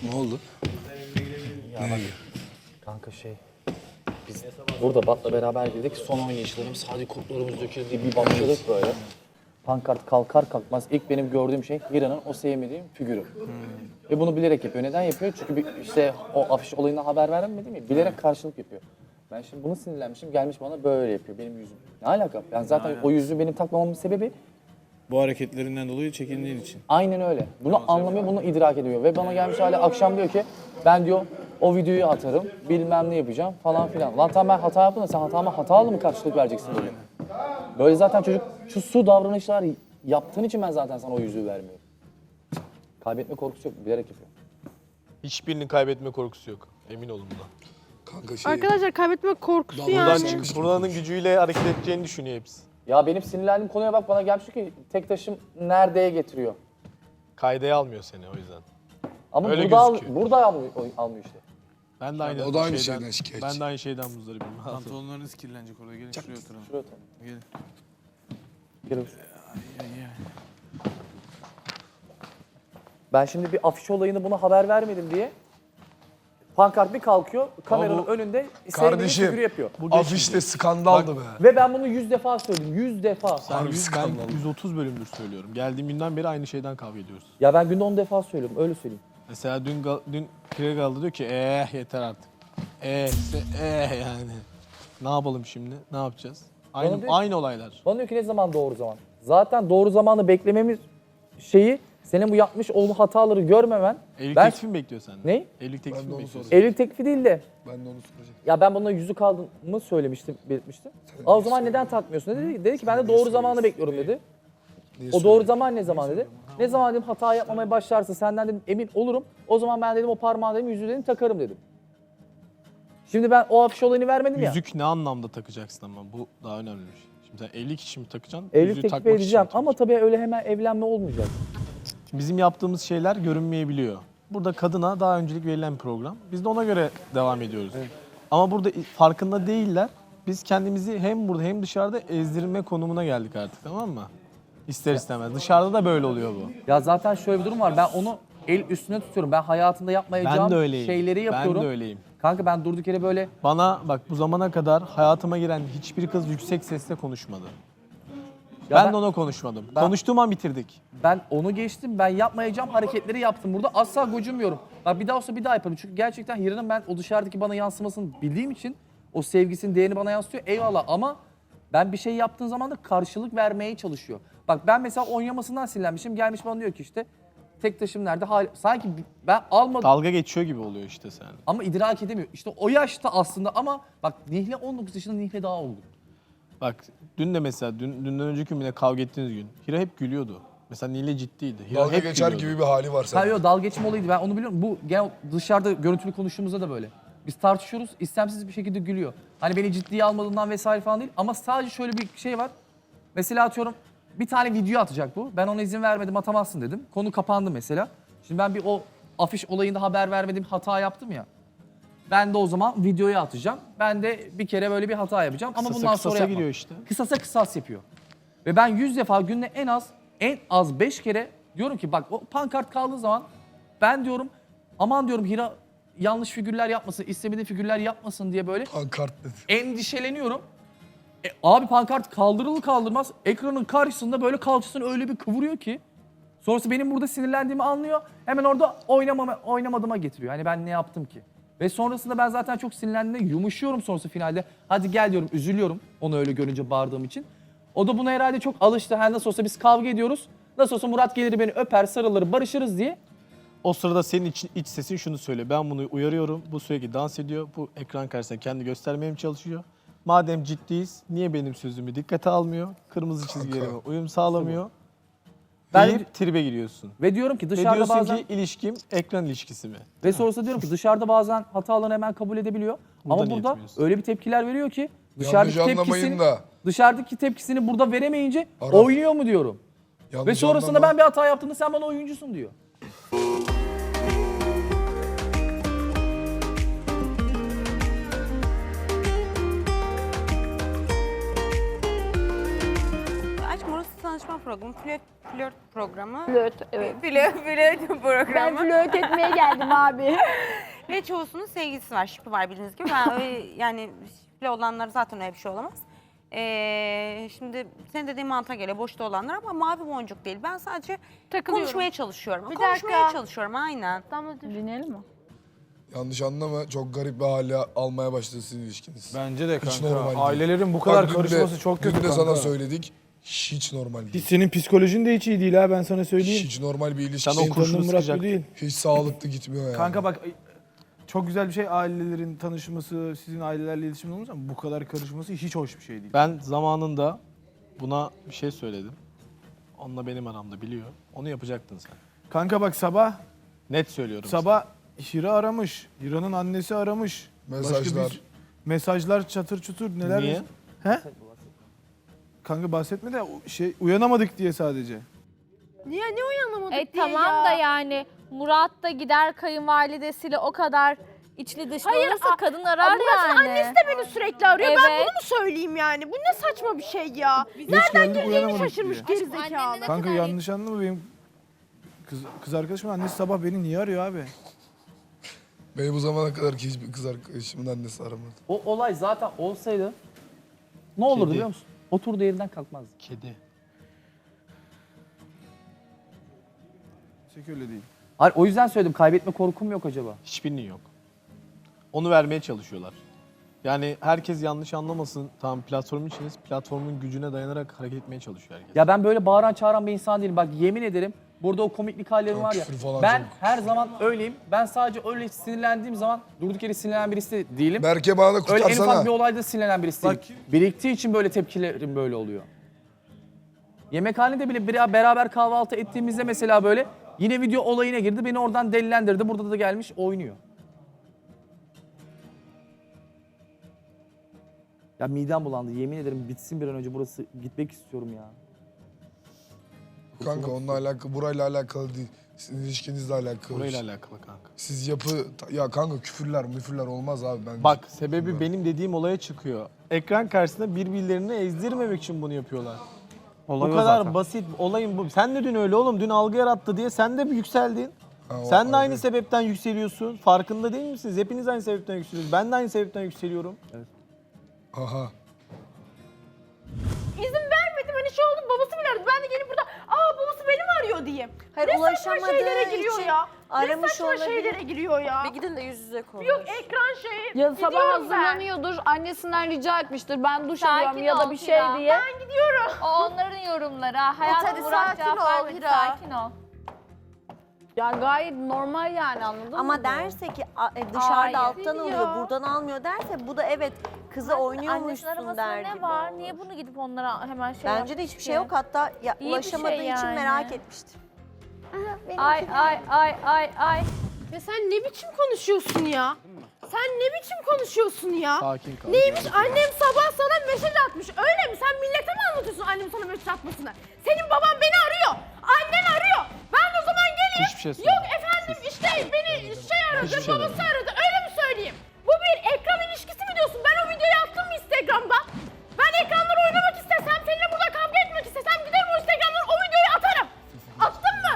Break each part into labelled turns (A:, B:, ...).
A: Ne oldu?
B: Ya bak, kanka biz burada Bat'la beraber girdik. Son oynayışlarımız, hadi kurtlarımız döküldü bir başladık böyle. Pankart kalkar kalkmaz ilk benim gördüğüm şey Hira'nın o sevmediğim figürü. Ve bunu bilerek yapıyor. Neden yapıyor? Çünkü işte o afiş olayından haber vermedim ya, bilerek karşılık yapıyor. Ben şimdi bunu sinirlenmişim, gelmiş bana böyle yapıyor benim yüzüm. Ne alaka? Ben zaten o yüzüğü benim takmamamın sebebi
A: Bu hareketlerinden dolayı çekindiğin için.
B: aynen öyle. Bunu anlamıyor, bunu idrak ediyor. Ve bana gelmiş hala akşam diyor ki ben diyor o videoyu atarım, bilmem ne yapacağım falan filan. Lan tamam ben hata yaptım da sen hatama hatalı mı karşılık vereceksin böyle? Böyle zaten çocuk şu su davranışlar yaptığın için ben zaten sana o yüzüğü vermiyorum. Kaybetme korkusu yok, bilerek yapıyor.
C: Hiçbirinin kaybetme korkusu yok. Emin olun bundan.
A: Kanka
D: Arkadaşlar kaybetme korkusu
C: Buradan
D: yani.
C: çıkıp buranın gücüyle hareket edeceğini düşünüyor hepsi.
B: Ya benim sinirlendiğim konuya bak, bana gelmiş ki tek taşım neredeye getiriyor.
C: Kaydaya almıyor seni o yüzden.
B: Ama
C: Öyle
B: burada,
C: gözüküyor.
B: burada almıyor işte.
C: Ben de aynı
A: o da aynı şeyden şikayetçi.
C: Ben de aynı şeyden muzdaribim.
E: Pantolonlarınız kirlenecek orada. Gelin şuraya oturalım.
B: Şuraya oturalım.
E: Gelin.
B: Gel. Ben şimdi bir afiş olayını buna haber vermedim diye pankart bir kalkıyor, kameranın önünde sevdiği figürü yapıyor.
A: Afişte skandaldı be.
B: Ve ben bunu 100 defa söyledim, 100 defa.
C: Ben 130 bölümdür söylüyorum. Geldiğim günden beri aynı şeyden kavga ediyoruz.
B: Ya ben günde 10 defa söylüyorum, öyle söyleyeyim.
C: Mesela dün Kregal'da diyor ki yeter artık. Yani. Ne yapalım şimdi? Ne yapacağız?
B: Bana diyor-
C: Aynı olaylar.
B: Bana diyor ki ne zaman doğru zaman? Zaten doğru zamanı beklememiz şeyi, senin bu yapmış olduğu hataları görmemen.
C: Evlilik
B: Ben-
C: teklifi mi bekliyor senden?
B: Ne?
C: Evlilik teklifi mi bekliyorsun?
B: Evlilik teklifi değil de.
A: Ben de onu soracağım.
B: Ya ben buna yüzük aldığımı söylemiştim, belirtmiştim. O zaman neden takmıyorsun dedi ki ben de doğru zamanı bekliyorum dedi. O doğru zaman ne zaman dedi. Ne zaman dedim hata yapmamaya başlarsın senden dedim emin olurum. O zaman ben dedim o parmağı dedim yüzüğü dedim takarım dedim. Şimdi ben o afiş olayını vermedim ya.
C: Yüzük ne anlamda takacaksın ama bu daha önemli bir şey. Şimdi sen evlilik için mi takacaksın?
B: Evlilik
C: yüzüğü
B: teklif
C: takmak için
B: edeceğim
C: mi
B: ama tabii öyle hemen evlenme olmayacak.
C: Bizim yaptığımız şeyler görünmeyebiliyor. Burada kadına daha öncelik verilen bir program. Biz de ona göre devam ediyoruz. Ama burada farkında değiller. Biz kendimizi hem burada hem dışarıda ezdirme konumuna geldik artık, tamam mı? İster istemez. Dışarıda da böyle oluyor bu.
B: Ya zaten şöyle bir durum var, ben onu el üstüne tutuyorum. Ben hayatımda yapmayacağım
C: Ben de öyleyim.
B: şeyleri yapıyorum.
C: Ben de öyleyim.
B: Kanka ben durduk yere böyle...
C: Bana bak bu zamana kadar hayatıma giren hiçbir kız yüksek sesle konuşmadı.
B: Ya
C: Ben de ona konuşmadım.
B: Ben-
C: Konuştuğum an bitirdik.
B: Ben onu geçtim, ben yapmayacağım hareketleri yaptım burada. Asla gocunmuyorum. Bak bir daha olsa bir daha yaparım. Çünkü gerçekten Hira'nın ben o dışarıdaki bana yansımasını bildiğim için o sevgisinin değerini bana yansıtıyor. Eyvallah ama ben bir şey yaptığım zaman da karşılık vermeye çalışıyor. Bak ben mesela oynamasından sinirlenmişim. Gelmiş bana diyor ki işte tek taşım nerede? Sanki ben almadım
C: Dalga geçiyor gibi oluyor işte sen.
B: ama idrak edemiyor. İşte o yaşta aslında ama bak Nihle 19 yaşında, Nihle daha olgun.
C: Bak dün de mesela dünden önceki gün yine kavga ettiğiniz gün Hira hep gülüyordu. Mesela Nile ciddiydi. Hira
A: Dalga
C: hep
A: geçer
C: gülüyordu.
A: gibi bir hali var
B: Ha
A: senin.
B: yok, dalga geçme olayıydı, ben onu biliyorum. Bu genel dışarıda görüntülü konuştuğumuzda da böyle. Biz tartışıyoruz, istemsiz bir şekilde gülüyor. Hani beni ciddiye almadığından vesaire falan değil ama sadece şöyle bir şey var. Mesela atıyorum bir tane video atacak bu. Ben ona izin vermedim, atamazsın dedim. Konu kapandı mesela. Şimdi ben bir o afiş olayında haber vermedim, hata yaptım ya. Ben de o zaman videoyu atacağım. Ben de bir kere böyle bir hata yapacağım ama bundan sonra
C: Kısasa
B: yapmam.
C: giriyor işte.
B: Kısasa kısas yapıyor. Ve ben 100 defa günde en az 5 kere diyorum ki bak o pankart kaldığı zaman ben diyorum aman diyorum Hira yanlış figürler yapmasın, istemediği figürler yapmasın diye böyle
A: Pankart dedi.
B: endişeleniyorum. Abi pankart kaldırılır kaldırmaz ekranın karşısında böyle kalçasını öyle bir kıvırıyor ki sonrası benim burada sinirlendiğimi anlıyor. Hemen orada oynamadığıma getiriyor. Hani ben ne yaptım ki? Ve sonrasında ben zaten çok sinirlendiğimde yumuşuyorum sonrası finalde. Hadi gel diyorum, üzülüyorum onu öyle görünce bağırdığım için. O da buna herhalde çok alıştı. Her nasıl olsa biz kavga ediyoruz. Nasıl olsa Murat gelir beni öper, sarılır, barışırız diye.
C: O sırada senin iç sesin şunu söylüyor. Ben bunu uyarıyorum. Bu sürekli dans ediyor. Bu ekran karşısında kendi göstermeye mi çalışıyor? Madem ciddiyiz niye benim sözümü dikkate almıyor? Kırmızı çizgilerime uyum sağlamıyor.
B: Ben-
C: Deyip tribe giriyorsun.
B: Ve diyorum ki
C: Ve
B: dışarıda
C: diyorsun
B: bazen...
C: ki ilişkim ekran ilişkisi mi?
B: Ve sonrasında diyorum ki dışarıda bazen hatalarını hemen kabul edebiliyor.
C: Burada
B: Ama burada
C: niyetmiyorsun.
B: öyle bir tepkiler veriyor ki
A: Yanlış anlamayın da.
B: dışarıdaki tepkisini burada veremeyince
A: Arap.
B: oynuyor mu diyorum.
A: Yanlış
B: Ve sonrasında
A: anlama.
B: ben bir hata yaptığımda sen bana oyuncusun diyor.
F: Aşkım orası tanışma programı. Flört
D: flört programı.
F: Flört, evet.
D: Flört
F: Ben
D: programı.
F: flört etmeye geldim abi.
D: Ve çoğusunun sevgilisi var, şipi var bildiğiniz gibi. Ben öyle, yani şipli olanlar zaten öyle bir şey olamaz. Şimdi senin dediğin mantığa göre boşta olanlar ama mavi boncuk değil. Ben sadece
F: Takılıyorum.
D: konuşmaya çalışıyorum.
F: Bir
D: Konuşmaya
F: dakika.
D: çalışıyorum aynen.
F: Tamam dinleyelim mi?
A: Yanlış anlama, çok garip bir hale almaya başladı sizin ilişkiniz.
E: Bence de
A: Hiç
E: kanka.
A: normal değil.
E: Ailelerin bu kadar
A: Bak, dün de-
E: karışması çok kötü
A: dün de
E: kanka.
A: sana söyledik. Hiç normal
E: Hiç
A: değil.
E: senin psikolojin de hiç iyi değil ha, ben sana söyleyeyim.
A: Hiç normal bir ilişki.
C: Sen o
E: Senin
C: kurşunu
E: tanıdığın Murat bu
C: sıkacak.
E: değil.
A: Hiç sağlıklı gitmiyor yani.
E: Kanka bak, çok güzel bir şey ailelerin tanışması, sizin ailelerle iletişim olması ama bu kadar karışması hiç hoş bir şey değil.
C: Ben zamanında buna bir şey söyledim. Onunla benim aramda biliyor. Onu yapacaktın sen.
E: Kanka bak sabah
C: Net söylüyorum.
E: Hira aramış. Hira'nın annesi aramış.
A: Mesajlar.
E: Mesajlar çatır çutur neler.
C: Niye?
E: He? Kanka bahsetme de uyanamadık diye sadece.
F: Niye ne uyanamadık diye
G: Tamam
F: ya?
G: da yani Murat da gider kayınvalidesiyle o kadar içli dışlı
F: Hayır,
G: olursa kadın arar
F: Murat'ın
G: yani.
F: annesi de beni sürekli arıyor. Ben
G: Evet.
F: bunu mu söyleyeyim yani? Bu ne saçma bir şey ya?
E: Geç
F: Nereden
E: geldik,
F: girdiğini
E: uyanamadık
F: şaşırmış
E: diye.
F: gerizekalı.
E: Kanka yanlış anlama, benim kız arkadaşımın annesi sabah beni niye arıyor abi?
A: Beni bu zamana kadar ki hiçbir kız arkadaşımın annesi aramadı.
B: O olay zaten olsaydı ne olurdu
C: Kedi.
B: biliyor musun? Oturduğu yerinden kalkmazdı.
C: Kedi.
E: Hiç öyle değil.
B: Hayır, o yüzden söyledim, kaybetme korkum yok acaba.
C: Hiçbirinin yok. Onu vermeye çalışıyorlar. Yani herkes yanlış anlamasın. Tamam, platformun içiniz. Platformun gücüne dayanarak hareket etmeye çalışıyor herkes.
B: Ya ben böyle bağıran çağıran bir insan değilim. Bak yemin ederim, burada o komiklik hallerim
A: Çok
B: var ya.
A: küfür falan
B: Ben
A: çok.
B: her zaman öyleyim. Ben sadece öyle sinirlendiğim zaman durduk yere sinirlenen birisi değilim.
A: Berke bana
B: Öyle en ufak
A: kurtarsana.
B: bir olayda sinirlenen birisi değilim. Biriktiği için böyle tepkilerim böyle oluyor. Yemekhanede bile beraber kahvaltı ettiğimizde mesela böyle yine video olayına girdi. Beni oradan delilendirdi. Burada da gelmiş oynuyor. Ya midem bulandı. Yemin ederim bitsin bir an önce, burası gitmek istiyorum ya.
A: Kanka onunla alakalı, burayla alakalı değil. Sizin ilişkinizle alakalı.
C: Burayla alakalı kanka.
A: Siz ya kanka küfürler olmaz abi ben.
C: Bak, sebebi benim dediğim olaya çıkıyor. Ekran karşısında birbirlerini ezdirmemek için bunu yapıyorlar.
B: Olay
C: Bu
B: o
C: kadar
B: zaten.
C: basit. Olayın bu. Sen de dün öyle oğlum. Dün algı yarattı diye sen de bir yükseldin.
A: Ha, o
C: Sen de aynı
A: ayrı.
C: sebepten yükseliyorsun. Farkında değil misiniz? Hepiniz aynı sebepten yükseliyorsunuz. Ben de aynı sebepten yükseliyorum.
A: Aha.
F: İzin vermedim hani şey oldu babası bile aradı. Ben de gelip burada babası beni mi arıyor diyeyim.
H: Hayır,
F: Ne saçma
H: ulaşamadığı
F: şeylere giriyor
H: için
F: ya.
H: aramış
F: Ne saçma
H: olabilir.
F: şeylere giriyor ya.
H: Bir gidin de yüz yüze konuş.
F: Yok ekran şeyi.
I: Ya sabah
F: Gidiyorum
I: hazırlanıyordur, annesinden rica etmiştir. Ben duş
G: Sakin
I: alıyorum ya da
G: ol
I: bir şey
G: Hira.
I: diye.
F: Ben gidiyorum.
G: O onların yorumları. Hayatım
H: hadi
G: Murat
H: sakin
G: cevap
H: ol
G: vermedi.
H: Hira.
G: Sakin ol.
I: Ya gayet normal yani, anladın mı?
H: Ama derse ki dışarıda
G: Hayır.
H: alttan alıyor,
G: Ya.
H: buradan almıyor derse bu da evet kızı
G: Annesinin
H: oynuyormuşsun
G: arabasında
H: der
G: ne
H: gibi
G: var?
H: olur.
G: Niye bunu gidip onlara hemen şey
H: Bence de hiçbir şey yok, hatta ya,
G: İyi bir
H: ulaşamadığı
G: şey
H: için
G: yani.
H: merak etmiştir.
G: Ay.
F: Ya sen ne biçim konuşuyorsun ya? Sen ne biçim konuşuyorsun ya?
C: Sakin kal.
F: Neymiş annem sabah sana mesaj atmış öyle mi? Sen millete mi anlatıyorsun annem sana mesaj atmasını? Senin baban beni arıyor. Annen arıyor. Ben o zaman geleyim.
C: Hiçbir şey söyleme.
F: Yok efendim işte beni aradı,
C: Hiçbir şey
F: babası
C: deme.
F: aradı. Öyle mi söyleyeyim? Bu bir ekran ilişkisi mi diyorsun? Ben o videoyu attım mı Instagram'da? Ben ekranları oynamak istesem, seninle burada kavga etmek istesem giderim o Instagram'dan o videoyu atarım. Attın mı?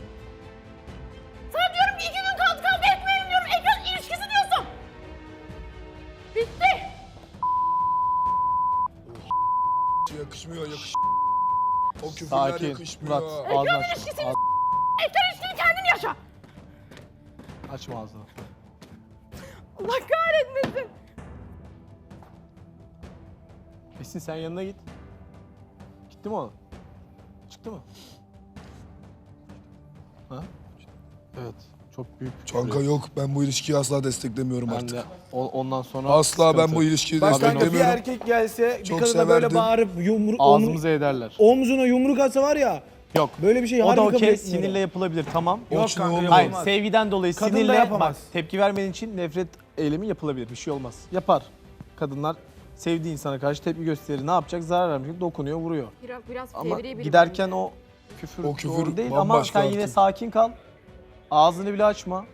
F: Sana diyorum ki 2 gün kaldı kavga etmeyelim diyorum. Ekran ilişkisi diyorsun. Bitti.
A: Yakışmıyor. O küfürler
C: Sakin.
A: yakışmıyor.
C: Murat, ağzını aç.
F: ilişkisini ekran ilişkini kendin yaşa.
C: Açma ağzını.
F: Allah kahretmesin.
C: Esin sen yanına git. Gitti mi o? Çıktı mı? Ha? Evet. Çok büyük.
A: Kanka yok, ben bu ilişkiyi asla desteklemiyorum
C: Ben
A: artık.
C: de ondan sonra
A: Asla ben
C: sıkıntı.
A: bu ilişkiyi
E: Bak kanka bir
A: desteklemiyorum.
E: erkek gelse bir
A: Çok
E: kadına böyle
A: severdim.
E: bağırıp
C: ağzımıza ederler.
E: omzuna yumruk atsa var ya,
C: Yok.
E: böyle bir şey
C: O
E: harbi
C: da
E: kabul
C: okey,
E: etmiyorum.
C: sinirle yapılabilir, tamam.
E: Yok
A: Okşun
E: kanka
A: olmaz.
C: Hayır,
E: yapamaz.
C: sevgiden dolayı
E: Kadın da
C: sinirle
E: yapamaz.
C: bak, tepki vermen için nefret eylemi yapılabilir. Bir şey olmaz. Yapar. Kadınlar sevdiği insana karşı tepki gösterir. Ne yapacak? Zarar vermeyecek. Dokunuyor, vuruyor.
F: Biraz
C: Ama giderken o küfür,
A: O küfür
C: doğru değil ama
A: bambaşka
C: sen yine
A: artık.
C: sakin kal. Ağzını bile açma.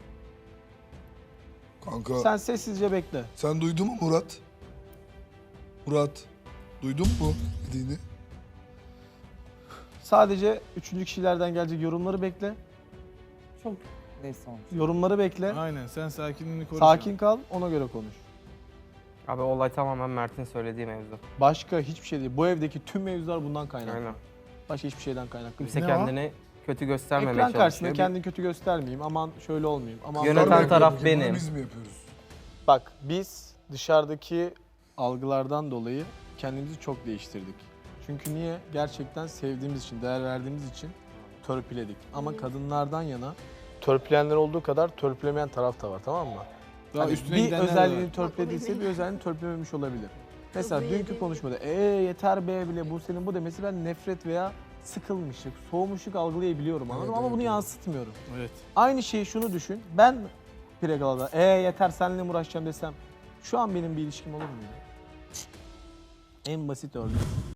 A: Kanka
C: Sen sessizce bekle.
A: sen duydun mu Murat? Murat, duydun mu dediğini?
C: Sadece üçüncü kişilerden gelecek yorumları bekle.
B: Çok neyse olmuş.
C: Yorumları bekle.
E: Aynen sen sakinliğini koru.
C: Sakin kal, ona göre konuş.
J: Abi olay tamamen Mert'in söylediği mevzu.
C: Başka hiçbir şey değil. Bu evdeki tüm mevzular bundan kaynaklı.
J: Aynen.
C: Başka hiçbir şeyden kaynaklı değil.
J: Kimse
E: Ne
J: kendini kötü göstermemeye
C: Ekran karşısında
J: çalışıyor.
C: kendini kötü göstermeyeyim. Aman şöyle olmayayım. Aman
J: Yöneten
C: böyle
A: Bunu
J: taraf
A: yapıyoruz, bunu
J: benim.
A: Biz mi yapıyoruz?
C: Bak biz dışarıdaki algılardan dolayı kendimizi çok değiştirdik. Çünkü niye? Gerçekten sevdiğimiz için, değer verdiğimiz için törpüledik. Ama kadınlardan yana törpüleyenler olduğu kadar törpülemeyen taraf da var, tamam mı?
E: Daha
C: Hani
E: üstüne
C: bir
E: gidenler de
C: özelliğini
E: var.
C: törpülediyse bir özelliğini törpülememiş olabilir. Mesela dünkü konuşmada yeter be bile bu senin bu demesi ben nefret veya sıkılmışlık, soğumuşluk algılayabiliyorum anladın mı?
A: Evet,
C: Ama
A: evet,
C: bunu
A: evet.
C: yansıtmıyorum.
E: Evet.
C: Aynı şeyi şunu düşün. Ben Pregala'da yeter seninle mi uğraşacağım desem şu an benim bir ilişkim olur muydu? En basit örnek.